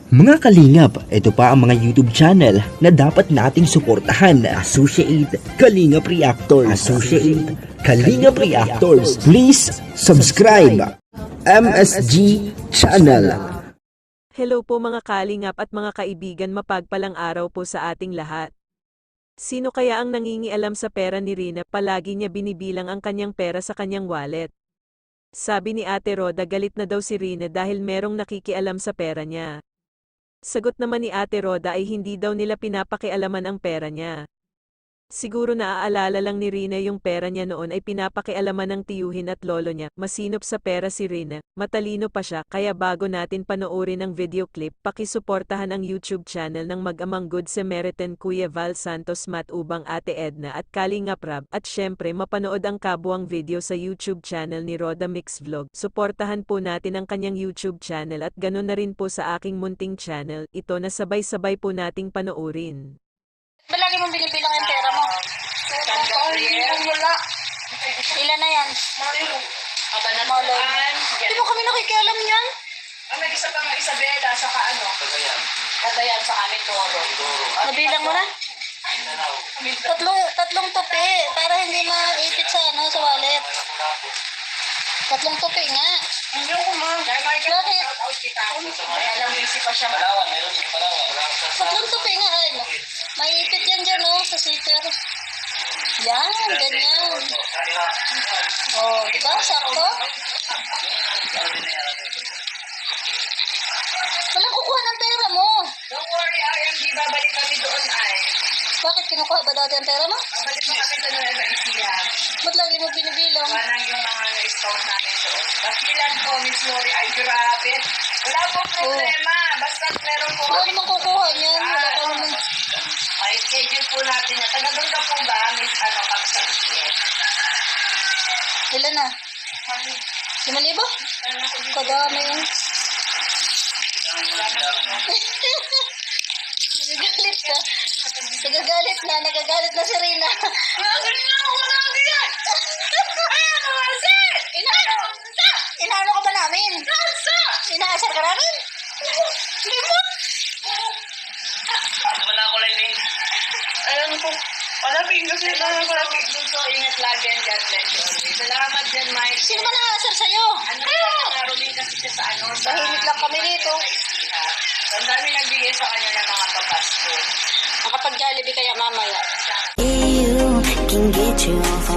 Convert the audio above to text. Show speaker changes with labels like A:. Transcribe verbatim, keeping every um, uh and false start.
A: Mga kalingap, ito pa ang mga YouTube channel na dapat nating suportahan. Associate Kalingap Reactors. Associate Kalingap Reactors. Please subscribe. M S G Channel.
B: Hello po mga kalingap at mga kaibigan, mapagpalang araw po sa ating lahat. Sino kaya ang nangingialam sa pera ni Rina? Palagi niya binibilang ang kanyang pera sa kanyang wallet. Sabi ni Ate Roda, galit na daw si Rina dahil merong nakikialam sa pera niya. Sagot naman ni Ate Roda ay hindi daw nila pinapakialaman ang pera niya. Siguro naaalala lang ni Rina yung pera niya noon ay pinapakialaman ng tiyuhin at lolo niya. Masinop sa pera si Rina, matalino pa siya, kaya bago natin panoorin ang video clip, pakisuportahan ang YouTube channel ng Mag-amang Good Samaritan Kuya Val Santos Matubang, Ate Edna at Kalingap Rab, at syempre mapanood ang kabuang video sa YouTube channel ni Roda Mix Vlog. Suportahan po natin ang kanyang YouTube channel at ganun na rin po sa aking munting channel, ito na sabay-sabay po nating panoorin.
C: Lagi mong binibilang yung pera mo. Wala. Ilan na yan? Malay. Hindi mo kami nakikialam yan?
D: Ah, may isa pa nga Isabela, saka ano? Katayan. Katayan sa amin, Toro.
C: Nabilang mo na? Tatlong, tatlong tupi, para hindi maipit sa ano, sa wallet. Tatlong tupi nga.
D: Hindi ko ma.
C: Bakit?
D: Alam mo, isip pa siya. Palawan, meron yung Palawan.
C: Tatlong tupi nga, ay. Maipit yan dyan, oh, sa sitter. Yan, ganyan. Oh, di ba? Sakto? Walang kukuha ng pera mo.
D: Don't worry, I M G, babalik kami doon ay.
C: Bakit kinukuha ba dati ang pera mo?
D: Babalik mo kami sa Nueva Ecija.
C: Ba't lagi mo binibilang?
D: Walang yung mga na-scout namin doon. Bakilan po, Miss Lori. Ay, grabe. Wala pong problema. Basta meron po.
C: Wala namang kukuha niyan. Wala ka naman.
D: Ay, schedule po natin yan. Taga doon ka po ba, Miss ano, Kapsan?
C: Ilan na? Lima libo? Kadami yun. Nagagalit ka. Nagagalit na. Nagagalit na si Rina.
D: Nagagalit na ako. Nagagalit yan. Ay, ano kasi?
C: Inaano? Inaano ka ba namin?
D: Nasa?
C: Inaasar ka namin?
D: Hindi mo? Ano ba na ako, Lailing? Alam ko. Palaping kasi na palaping. So, ingat lagi yan dyan. Bless you always. Salamat dyan, Mike.
C: Sino ba nakaasar sa'yo?
D: Ano ka? Naroling kasi siya sa ano. Sa
C: Tahimik lang kami dito.
D: Ang dami nagbigay sa kanya ng mga papasko.
C: Makapag-Jollibee kaya mamaya.
E: You can get you off